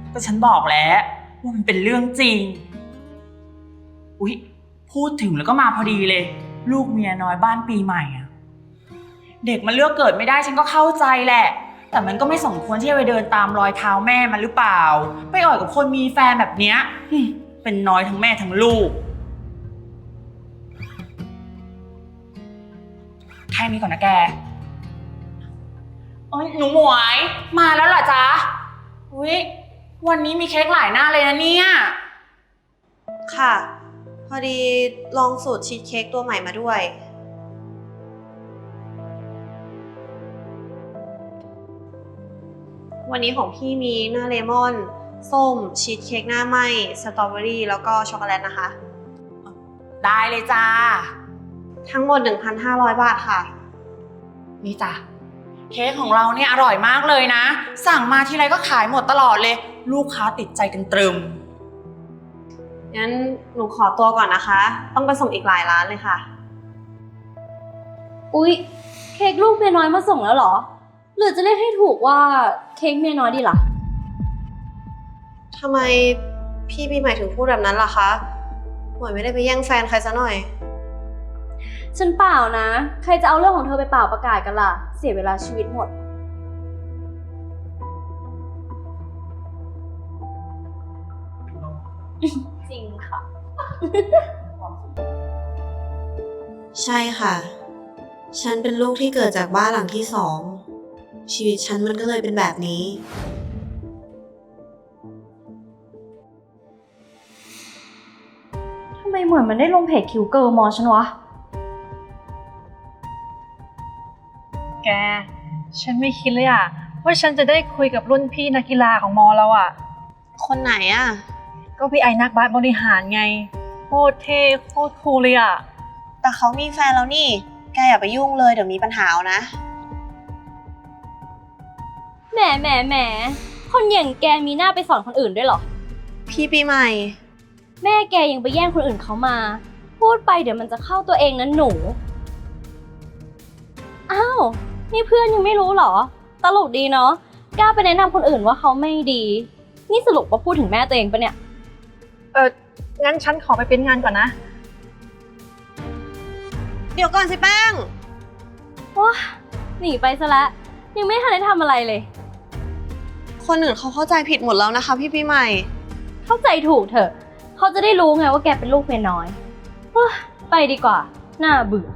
ก็ฉันบอกแล้วว่ามันเป็นเรื่องจริงอุ๊ยพูดถึงแล้วก็มาพอดีเลยลูกเมียน้อยบ้านปีใหม่อะเด็กมันเลือกเกิดไม่ได้ฉันก็เข้าใจแหละแต่มันก็ไม่สมควรที่จะไปเดินตามรอยเท้าแม่มันหรือเปล่าไปอ่อยกับคนมีแฟนแบบเนี้ยเป็นน้อยทั้งแม่ทั้งลูกแค่นี้ก่อนนะแกโอ้ยหนูหมวยมาแล้วเหรอจ๊ะอุ๊ยวันนี้มีเค้กหลายหน้าเลยนะเนี่ยค่ะพอดีลองสูตรชีสเค้กตัวใหม่มาด้วยวันนี้ของพี่มีหน้าเลมอนส้มชีสเค้กหน้าไหม้สตรอเบอรี่แล้วก็ช็อกโกแลตนะคะได้เลยจ้าทั้งหมด 1,500 บาทค่ะนี่จ้ะเค้กของเราเนี่ยอร่อยมากเลยนะสั่งมาทีไรก็ขายหมดตลอดเลยลูกค้าติดใจกันตรึมงั้นหนูขอตัวก่อนนะคะต้องไปส่งอีกหลายร้านเลยค่ะอุ๊ยเค้กลูกเมียน้อยมาส่งแล้วเหรอหรือจะเรียกให้ถูกว่าเค้กเมียน้อยดีล่ะทำไมพี่ปีใหม่ถึงพูดแบบนั้นล่ะคะหมวยไม่ได้ไปแย่งแฟนใครซะหน่อยฉันเปล่านะใครจะเอาเรื่องของเธอไปเป่าประกาศกันล่ะเสียเวลาชีวิตหมดจริงค่ะใช่ค่ะฉันเป็นลูกที่เกิดจากบ้านหลังที่2ชีวิตฉันมันก็เลยเป็นแบบนี้ทำไมเหมือนมันได้ลงเพจคิวเกิร์ลมอฉันวะแกฉันไม่คิดเลยอะว่าฉันจะได้คุยกับรุ่นพี่นักกีฬาของมอเราอะคนไหนอะก็พี่ไอ้นักบาสบริหารไงโคตรเท่โคตรคูลเลยอะแต่เขามีแฟนแล้วนี่แกอย่าไปยุ่งเลยเดี๋ยวมีปัญหาเอานะแหมคนอย่างแกมีหน้าไปสอนคนอื่นด้วยเหรอพี่ปีใหม่แม่แกยังไปแย่งคนอื่นเขามาพูดไปเดี๋ยวมันจะเข้าตัวเองนะหนูอ้าวนี่เพื่อนยังไม่รู้เหรอตลกดีเนาะกล้าไปแนะนำคนอื่นว่าเขาไม่ดีนี่สรุปว่าพูดถึงแม่ตัวเองปะเนี่ยงั้นฉันขอไปเป็นงานก่อนนะเดี๋ยวก่อนสิแป้งว้าหนีไปซะแล้วยังไม่ทันได้ทำอะไรเลยคนอื่นเขาเข้าใจผิดหมดแล้วนะคะพี่ปีใหม่เข้าใจถูกเถอะเขาจะได้รู้ไงว่าแกเป็นลูกเมียน้อยไปดีกว่าน่าเบื่อ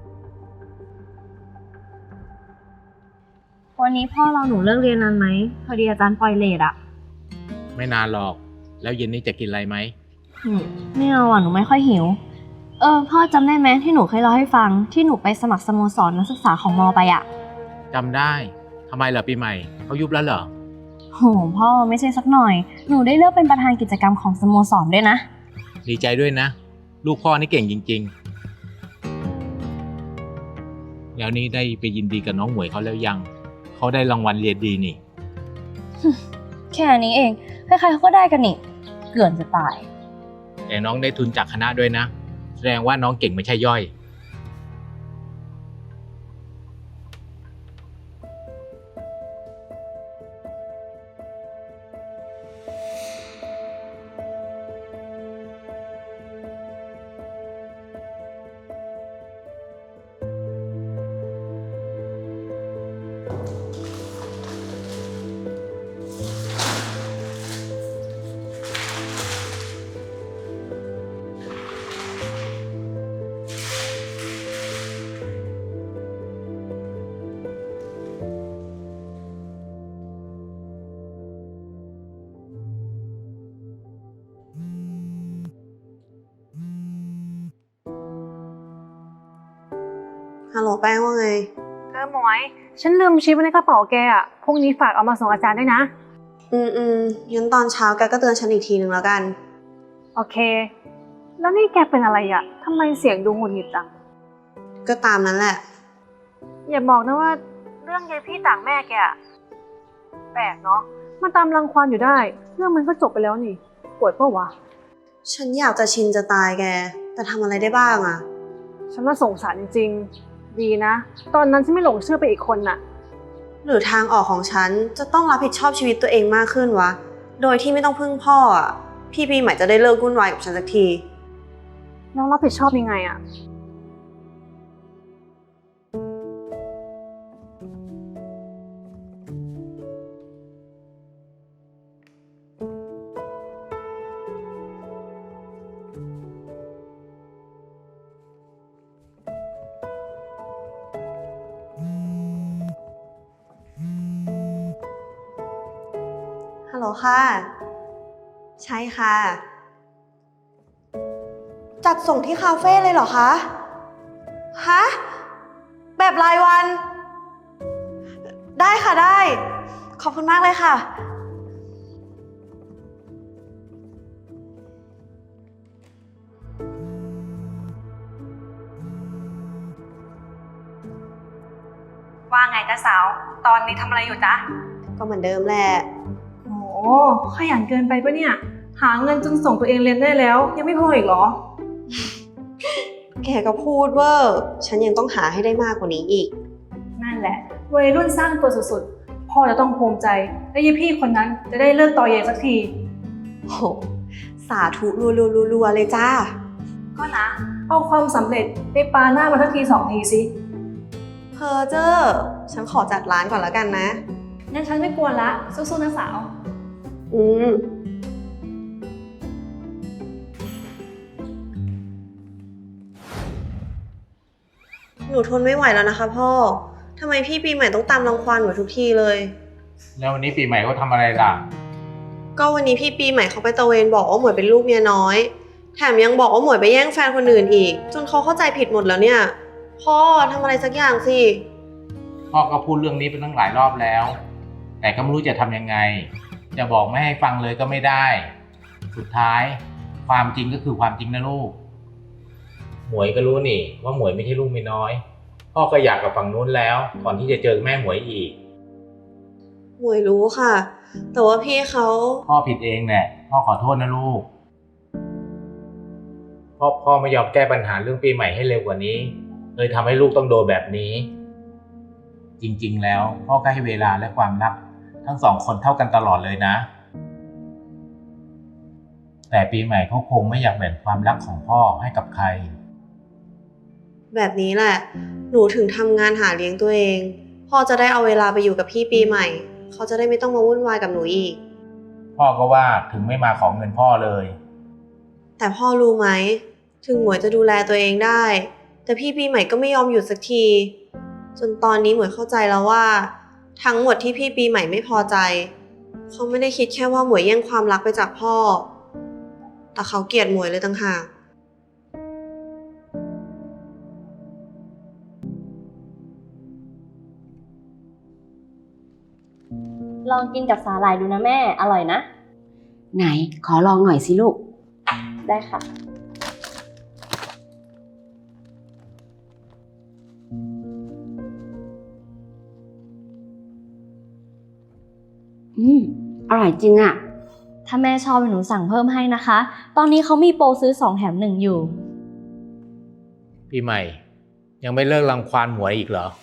วันนี้พ่อเราหนูเลิกเรียนนานไหมพอดีอาจารย์ปล่อยเลทอะไม่นานหรอกแล้วเย็นนี้จะกินอะไรไหมไม่เอาหนูไม่ค่อยหิวพ่อจำได้ไหมที่หนูเคยเล่าให้ฟังที่หนูไปสมัครสโมสรนักศึกษาของมอไปอะจำได้ทำไมเหรอปีใหม่เขายุบแล้วเหรอโหพ่อไม่ใช่สักหน่อยหนูได้เลือกเป็นประธานกิจกรรมของสโมสรด้วยนะดีใจด้วยนะลูกพ่อนี่เก่งจริงๆแล้วนี่ได้ไปยินดีกับน้องหมวยเขาแล้วยังเขาได้รางวัลเรียนดีนี่แค่นี้เองใครๆเขาก็ได้กันนี่เกินจะตายแต่น้องได้ทุนจากคณะด้วยนะแสดงว่าน้องเก่งไม่ใช่ย่อยฮัลโหลแป้งว่าไงหมวยฉันลืมชิปไว้ในกระเป๋าแกอะพรุ่งนี้ฝากเอามาส่งอาจารย์ด้วยนะงั้นตอนเช้าแกก็เตือนฉันอีกทีนึงแล้วกันโอเคแล้วนี่แกเป็นอะไรอะทำไมเสียงดูหงุดหงิดจังก็ตามนั้นแหละอย่าบอกนะว่าเรื่องยายพี่ต่างแม่แกอะแปลกเนาะมันตามรังควานอยู่ได้เรื่องมันก็จบไปแล้วนี่ปวดเปล่าวะฉันอยากจะชินจะตายแกแต่ทำอะไรได้บ้างอะฉันน่าสงสารจริงๆดีนะตอนนั้นฉันไม่หลงเชื่อไปอีกคนน่ะหรือทางออกของฉันจะต้องรับผิดชอบชีวิตตัวเองมากขึ้นวะโดยที่ไม่ต้องพึ่งพ่ออะพี่ปีใหม่จะได้เลิกวุ่นวายกับฉันสักทีแล้วรับผิดชอบยังไงอะฮัลโหลค่ะ ใช่ค่ะ จัดส่งที่คาเฟ่เลยเหรอคะ ฮะ แบบรายวัน ได้ค่ะได้ ขอบคุณมากเลยค่ะว่าไงจ๊ะสาว ตอนนี้ทำอะไรอยู่จ๊ะก็เหมือนเดิมแหละโอ้ขยันเกินไปปะเนี่ย หาเงินจนส่งตัวเองเรียนได้แล้ว ยังไม่พออีกเหรอแกก็พูดเวอร์ฉันยังต้องหาให้ได้มากกว่านี้อีกนั่นแหละวัยรุ่นสร้างตัวสุดๆ พ่อจะต้องภูมิใจ และยี่พี่คนนั้นจะได้เลิกต่อเยสักทีโห สาธุรัวๆเลยจ้าก็นะ เอาความสำเร็จไปปาหน้ามาทักที2 ทีสิเพอเจอร์ฉันขอจัดร้านก่อนแล้วกันนะงั้นฉันไม่กวนละ สู้ๆนะสาวอืม หนูทนไม่ไหวแล้วนะคะพ่อ ทำไมพี่ปีใหม่ต้องตามรังควานหนูทุกทีเลยแล้ววันนี้ปีใหม่เขาทำอะไรล่ะก็วันนี้พี่ปีใหม่เขาไปตระเวนบอกว่าหมวยเป็นลูกเมียน้อย แถมยังบอกว่าหมวยไปแย่งแฟนคนอื่นอีก จนเขาเข้าใจผิดหมดแล้วเนี่ย พ่อทำอะไรสักอย่างสิพ่อก็พูดเรื่องนี้ไปตั้งหลายรอบแล้ว แต่ก็ไม่รู้จะทำยังไง จะบอกไม่ให้ฟังเลยก็ไม่ได้ สุดท้ายความจริงก็คือความจริงนะลูก หมวยก็รู้นี่ว่าหมวยไม่ใช่ลูกเมียน้อย พ่อก็อยากกับฝั่งนู้นแล้วก่อนที่จะเจอแม่หมวยอีกหมวยรู้ค่ะ แต่ว่าพี่เขาพ่อผิดเองแหละพ่อขอโทษนะลูกพ่อไม่ยอมแก้ปัญหาเรื่องปีใหม่ให้เร็วกว่านี้เลยทำให้ลูกต้องโดนแบบนี้ จริงๆแล้วพ่อก็ให้เวลาและความรักทั้งสองคนเท่ากันตลอดเลยนะ แต่ปีใหม่เขาคงไม่อยากแบ่งความรักของพ่อให้กับใครแบบนี้แหละ หนูถึงทำงานหาเลี้ยงตัวเอง พ่อจะได้เอาเวลาไปอยู่กับพี่ปีใหม่ เขาจะได้ไม่ต้องมาวุ่นวายกับหนูอีกพ่อก็ว่าถึงไม่มาขอเงินพ่อเลยแต่พ่อรู้ไหม ถึงหมวยจะดูแลตัวเองได้ แต่พี่ปีใหม่ก็ไม่ยอมหยุดสักที จนตอนนี้หมวยเข้าใจแล้วว่า ทั้งหมดที่พี่ปีใหม่ไม่พอใจ เขาไม่ได้คิดแค่ว่าหมวยแย่งความรักไปจากพ่อ แต่เขาเกลียดหมวยเลยต่างหากลองกินกับสาหร่ายดูนะแม่ อร่อยนะไหนขอลองหน่อยสิลูกได้ค่ะอร่อยจริงอะถ้าแม่ชอบหนูสั่งเพิ่มให้นะคะ ตอนนี้เขามีโปรซื้อ2 แถม 1อยู่ปีใหม่ ยังไม่เลิกรังควานหมวยอีกเหรอ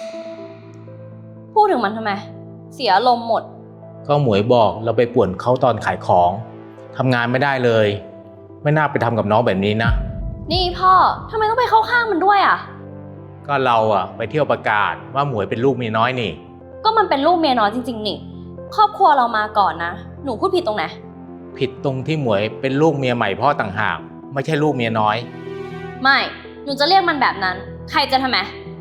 พูดถึงมันทำไม เสียอารมณ์หมดก็หมวยบอกเราไปป่วนเขาตอนขายของทำงานไม่ได้เลย ไม่น่าไปทำกับน้องแบบนี้นะนี่พ่อทำไมต้องไปเข้าข้างมันด้วยอ่ะก็เราอะไปเที่ยวประกาศว่าหมวยเป็นลูกเมียน้อยนี่ก็มันเป็นลูกเมียน้อยจริงๆนี่ ครอบครัวเรามาก่อนนะ หนูพูดผิดตรงไหนผิดตรงที่หมวยเป็นลูกเมียใหม่พ่อต่างหากไม่ใช่ลูกเมียน้อยไม่ หนูจะเรียกมันแบบนั้น ใครจะทำไม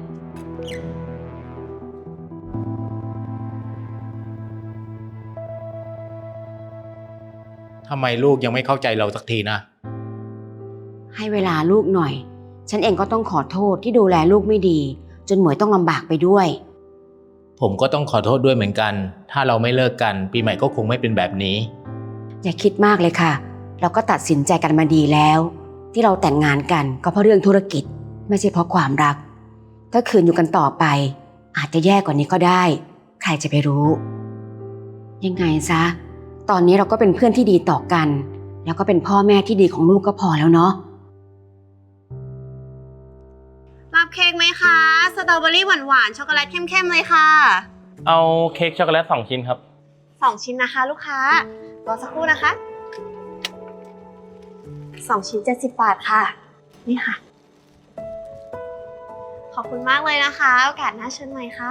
ทำไมลูกยังไม่เข้าใจเราสักทีนะให้เวลาลูกหน่อย ฉันเองก็ต้องขอโทษที่ดูแลลูกไม่ดี จนหมวยต้องลำบากไปด้วยผมก็ต้องขอโทษด้วยเหมือนกัน ถ้าเราไม่เลิกกันปีใหม่ก็คงไม่เป็นแบบนี้อย่าคิดมากเลยค่ะ เราก็ตัดสินใจกันมาดีแล้ว ที่เราแต่งงานกันก็เพราะเรื่องธุรกิจ ไม่ใช่เพราะความรัก ถ้าคืนอยู่กันต่อไป อาจจะแย่กว่านี้ก็ได้ ใครจะไปรู้ ยังไงซะ ตอนนี้เราก็เป็นเพื่อนที่ดีต่อกัน แล้วก็เป็นพ่อแม่ที่ดีของลูกก็พอแล้วเนาะรับเค้กไหมคะ สตรอเบอรี่หวานๆ ช็อกโกแลตเข้มๆเลยค่ะเอาเค้กช็อกโกแลต2 ชิ้นครับ 2 ชิ้นนะคะลูกค้ารอสักครู่นะคะ 2 ชิ้น70 บาทค่ะ นี่ค่ะ ขอบคุณมากเลยนะคะ โอกาสหน้าเชิญใหม่ค่ะ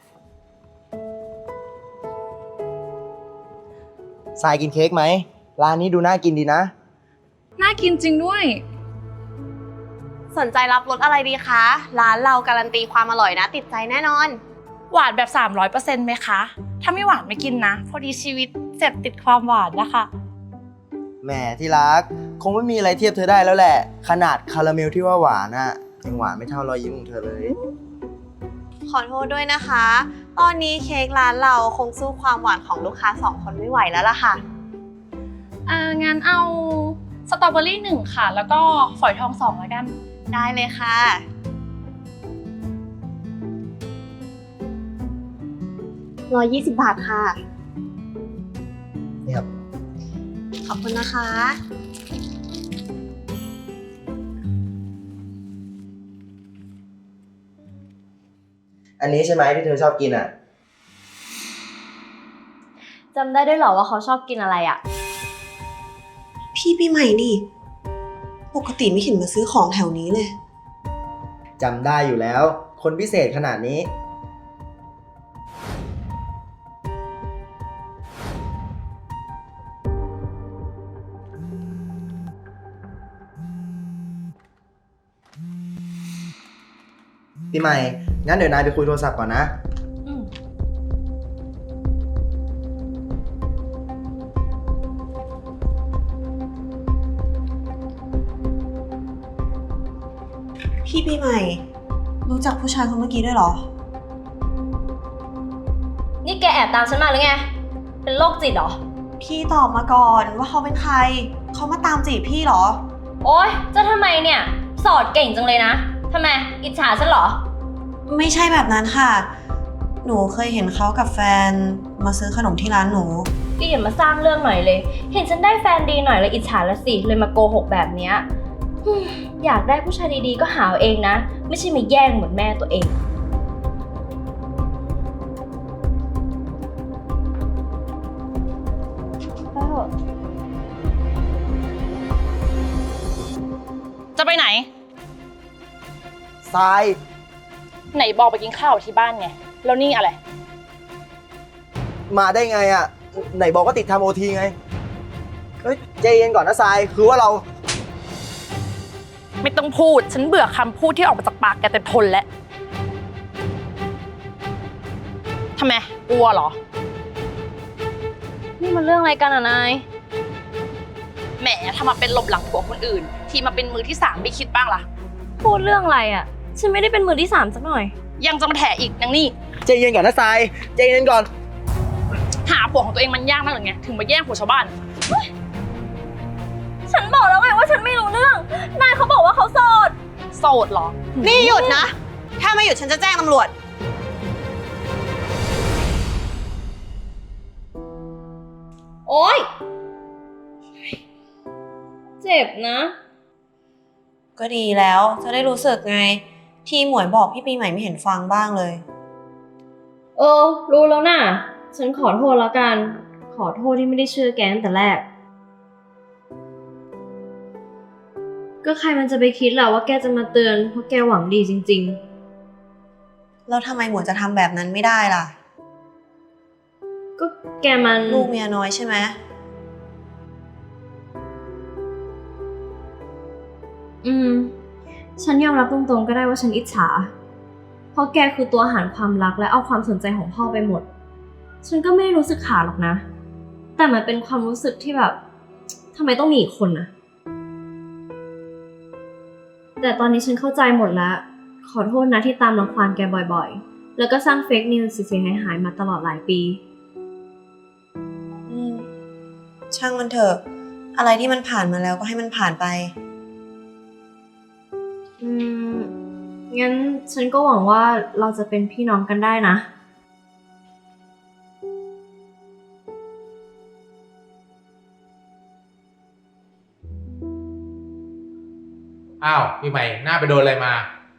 ทรายกินเค้กไหม ร้านนี้ดูน่ากินดีนะน่ากินจริงด้วยสนใจรับรสอะไรดีคะ ร้านเราการันตีความอร่อยนะ ติดใจแน่นอนหวานแบบ 300%ไหมคะ ถ้าไม่หวานไม่กินนะ พอดีชีวิตเสพติดความหวานนะคะแหมที่รัก คงไม่มีอะไรเทียบเธอได้แล้วแหละ ขนาดคาราเมลที่ว่าหวานอะยังหวานไม่เท่ารอยยิ้มของเธอเลยขอโทษด้วยนะคะ ตอนนี้เค้กร้านเราคงสู้ความหวานของลูกค้า2 คนไม่ไหวแล้วล่ะค่ะงั้นเอาสตรอเบอรี่1ค่ะ แล้วก็ฝอยทอง2แล้วกันได้เลยค่ะ120 บาทค่ะนี่ครับขอบคุณนะคะอันนี้ใช่ไหมที่เธอชอบกินอะจำได้ด้วยเหรอว่าเขาชอบกินอะไรอะพี่ปีใหม่นี่ ปกติไม่เห็นมาซื้อของแถวนี้เลยจำได้อยู่แล้ว คนพิเศษขนาดนี้ ปีใหม่ งั้นเดี๋ยวนายไปคุยโทรศัพท์ก่อนนะพี่ปีใหม่ รู้จักผู้ชายคนเมื่อกี้ด้วยเหรอนี่แกแอบตามฉันมาหรือไง เป็นโรคจิตเหรอพี่ตอบมาก่อนว่าเขาเป็นใคร เขามาตามจีบพี่เหรอโอ๊ย จะทำไมเนี่ย สอดเก่งจังเลยนะ ทำไม อิจฉาฉันเหรอไม่ใช่แบบนั้นค่ะ หนูเคยเห็นเขากับแฟนมาซื้อขนมที่ร้านหนูก็อย่ามาสร้างเรื่องหน่อยเลย เห็นฉันได้แฟนดีหน่อยเลยอิจฉาละสิ เลยมาโกหกแบบเนี้ยอยากได้ผู้ชายดีๆก็หาเอาเองนะ ไม่ใช่มาแย่งเหมือนแม่ตัวเองจะไปไหนทรายไหนบอกไปกินข้าวที่บ้านไง แล้วนี่อะไรมาได้ไงอะไหนบอกว่าติดทำโอทีไง เฮ้ยใจเย็นก่อนนะทราย คือว่าเราไม่ต้องพูด ฉันเบื่อคำพูดที่ออกมาจากปากแกแต่ทนแล้วทำไม กลัวเหรอนี่มันเรื่องอะไรกันอ่ะนายแหมทำมาเป็นหลบหลังผัวคนอื่น ที่มาเป็นมือที่3ไม่คิดบ้างล่ะพูดเรื่องอะไรอ่ะ ฉันไม่ได้เป็นมือที่3สักหน่อยยังจะมาแถอีกนางนี่ใจเย็นก่อนนะทราย ใจเย็นก่อนหาผัวของตัวเองมันยากมากหรือไง ถึงมาแย่งผัวชาวบ้านฉันบอกแล้วไงว่าฉันไม่รู้เรื่อง นายเขาบอกว่าเขาโสดโสดเหรอนี่หยุดนะ ถ้าไม่หยุดฉันจะแจ้งตำรวจโอ๊ย เจ็บนะก็ดีแล้ว จะได้รู้สึกไง ที่หมวยบอกพี่ปีใหม่ไม่เห็นฟังบ้างเลยรู้แล้วน่ะ ฉันขอโทษแล้วกัน ขอโทษที่ไม่ได้เชื่อแกตั้งแต่แรก ก็ใครมันจะไปคิดล่ะว่าแกจะมาเตือนเพราะแกหวังดีจริงแล้วทำไมหมวยจะทำแบบนั้นไม่ได้ล่ะๆ ก็แกมันลูกเมียน้อยใช่ไหมฉันยอมรับตรงๆก็ได้ว่าฉันอิจฉา เพราะแกคือตัวหารความรักและเอาความสนใจของพ่อไปหมด ฉันก็ไม่ได้รู้สึกขาดหรอกนะ แต่มันเป็นความรู้สึกที่แบบทำไมต้องมีอีกคนนะแต่ตอนนี้ฉันเข้าใจหมดแล้ว ขอโทษนะที่ตามรังควานแกบ่อยๆ แล้วก็สร้างเฟกนิวส์เสียหายๆมาตลอดหลายปีช่างมันเถอะ อะไรที่มันผ่านมาแล้วก็ให้มันผ่านไปงั้นฉันก็หวังว่าเราจะเป็นพี่น้องกันได้นะอ้าวพี่ใหม่หน้าไปโดนอะไรมา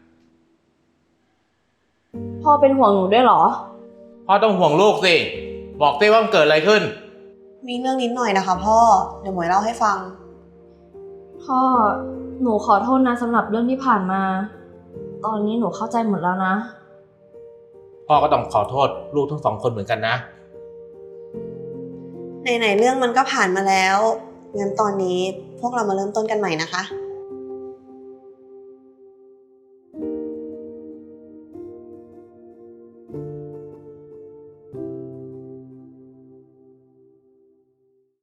พ่อเป็นห่วงหนูด้วยเหรอพ่อต้องห่วงลูกสิบอกสิว่ามันเกิดอะไรขึ้นมีเรื่องนิดหน่อยนะคะพ่อ เดี๋ยวหมวยเล่าให้ฟังพ่อ หนูขอโทษนะสำหรับเรื่องที่ผ่านมา ตอนนี้หนูเข้าใจหมดแล้วนะพ่อก็ต้องขอโทษลูกทั้งสองคนเหมือนกันนะไหนๆเรื่องมันก็ผ่านมาแล้ว งั้นตอนนี้พวกเรามาเริ่มต้นกันใหม่นะคะ